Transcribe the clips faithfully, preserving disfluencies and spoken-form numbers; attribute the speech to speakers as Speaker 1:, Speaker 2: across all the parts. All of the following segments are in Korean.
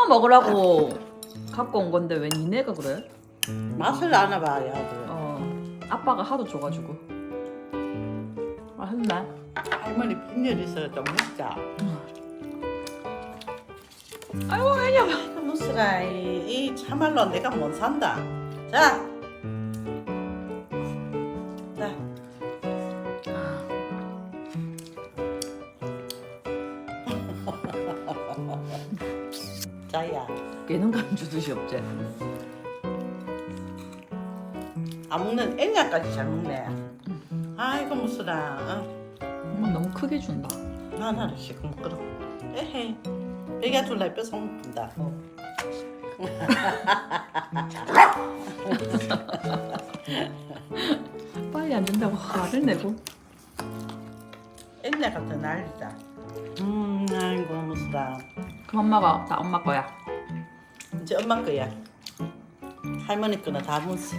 Speaker 1: 엄마 먹으라고 갖고 온 건데 왜 니네가 그래?
Speaker 2: 맛을 알아봐야 돼.
Speaker 1: 어 아빠가 하도 줘가지고 맛있네.
Speaker 2: 할머니 빈혈 있어서 좀 먹자.
Speaker 1: 아이고 왜냐.
Speaker 2: 무스라 이, 이 참말로 내가 못 산다. 자, 자. 자야,
Speaker 1: 걔는 감 주듯이 없지.
Speaker 2: 안 먹는 애냐까지 잘 먹네. 아이고 무스라. 어.
Speaker 1: 엄마 너무 크게 준다.
Speaker 2: 하나를 시큼 끌어. 에헤, 애가 둘라 뺏어 먹는다.
Speaker 1: 빨리 안 준다고 화를 내고.
Speaker 2: 애냐 같은 난리다. 음, 아이고 무스라.
Speaker 1: 그 엄마가 다 엄마 거야.
Speaker 2: 이제 엄마 거야. 할머니 거는 다 먹었어.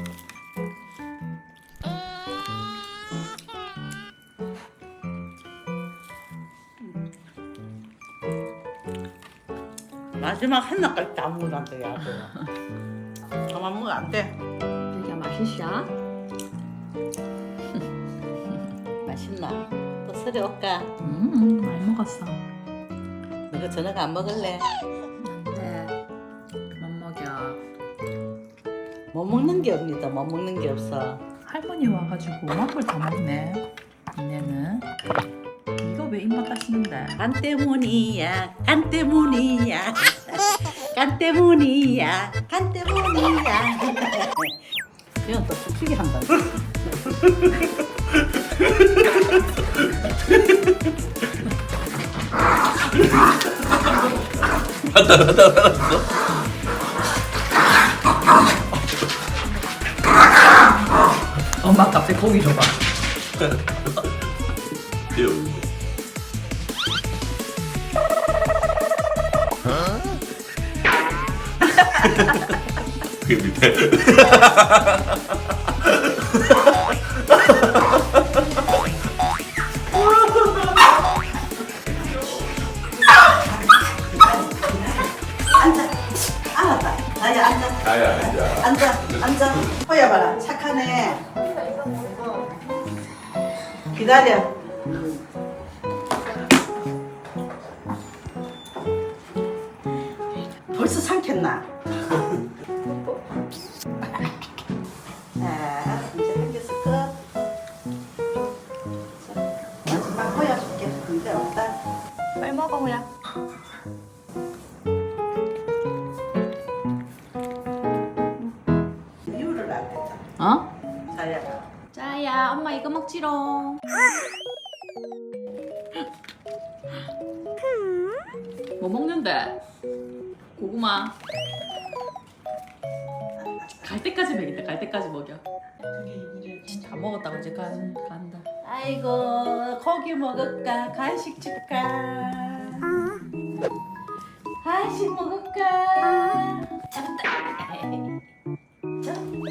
Speaker 2: 마지막 하나까지 다 먹으란다 야. 그거. 그만 먹으면 안 돼.
Speaker 1: 되게 맛있어.
Speaker 2: 맛있나? 또 서리 올까?
Speaker 1: 음 많이 먹었어.
Speaker 2: 너가 저녁 안 먹을래?
Speaker 1: 안돼. 그만 먹여.
Speaker 2: 못 먹는 게 없니다. 못 먹는 게 없어.
Speaker 1: 할머니 와가지고 오만 걸 다 먹네. 니네는 이거 왜 입맛 다시는데?
Speaker 2: 간 때문이야. 간 때문이야. 간 때문이야. 간 때문이야. 이건 또 솔직히 한다.
Speaker 1: 엄마 갑자기 고기 줘봐.
Speaker 3: 그게 밑에.
Speaker 2: 알았다. 나야 앉아.
Speaker 3: 아야 아야.
Speaker 2: 앉아. 앉아. 호야 봐라. 착하네. 기다려. 벌써 삼켰나? 자, 이제 한 개씩 끝. 자, 마지막 호야 줄게. 근데 없다.
Speaker 1: 빨리 먹어 호야.
Speaker 2: 이유를 알겠다.
Speaker 1: 어?
Speaker 2: 자야가.
Speaker 1: 짜야 엄마 이거 먹지롱. 뭐 먹는데? 고구마. 갈 때까지 먹인다. 갈 때까지 먹여. 다 먹었다고 이제 간 간다.
Speaker 2: 아이고 고기 먹을까 간식 줄까 간식 먹을까 잡았다 자.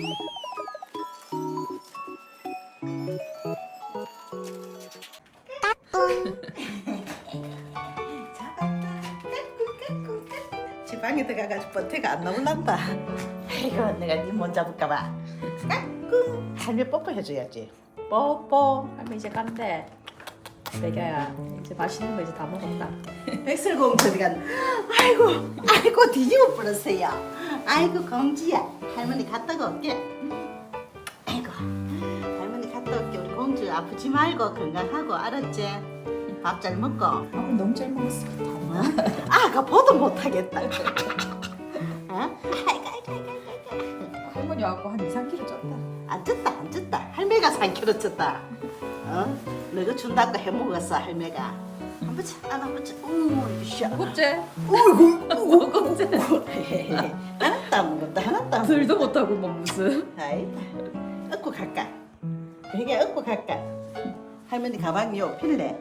Speaker 2: 잡았다 까꿍 까꿍 지방에 들어가가지고 버태가 안 나올란다. 아이고 내가 니 못 잡을까봐 까꿍 할매 뽀뽀 해줘야지. 뽀뽀.
Speaker 1: 할머니 이제 간대. 배겨야 이제 맛있는 거 이제 다 먹었다.
Speaker 2: 백설공주가 아이고 아이고 뒤집어 버렸어요. 아이고 공주야 할머니 갔다가 올게. 아이고 할머니 갔다 올게. 우리 공주 아프지 말고 건강하고 알았지? 밥 잘 먹고.
Speaker 1: 아, 너무 잘 먹었어.
Speaker 2: 아가 보도 못하겠다. 어? 아이고 아이고 아이고 아이고.
Speaker 1: 할머니 와갖고 한 이, 삼 킬로 쪘다.
Speaker 2: 안 쪘다 안 쪘다. 할매가 삼 킬로 쪘다. 어? 너가 준다고 해먹었어 할매가. 한번 자 안아보자. 오 이샤.
Speaker 1: 무겁지?
Speaker 2: 어이구
Speaker 1: 무겁지?
Speaker 2: 하나도 안 먹었다 하나도 안
Speaker 1: 들도 못하고 뭐 무슨.
Speaker 2: 아이다 얻고 갈까? 베개 얻고 갈까? 할머니 가방이요 필래.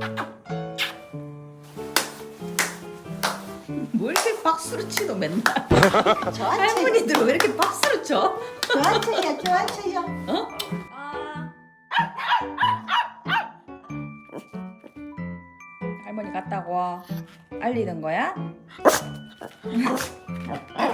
Speaker 1: 뭐 이렇게 박수를 치노 맨날.
Speaker 2: 좋아치
Speaker 1: 할머니들 왜 이렇게 박수를 쳐?
Speaker 2: 좋아치야 좋아치야.
Speaker 1: 어? 아. 할머니 갔다고 알리는 거야?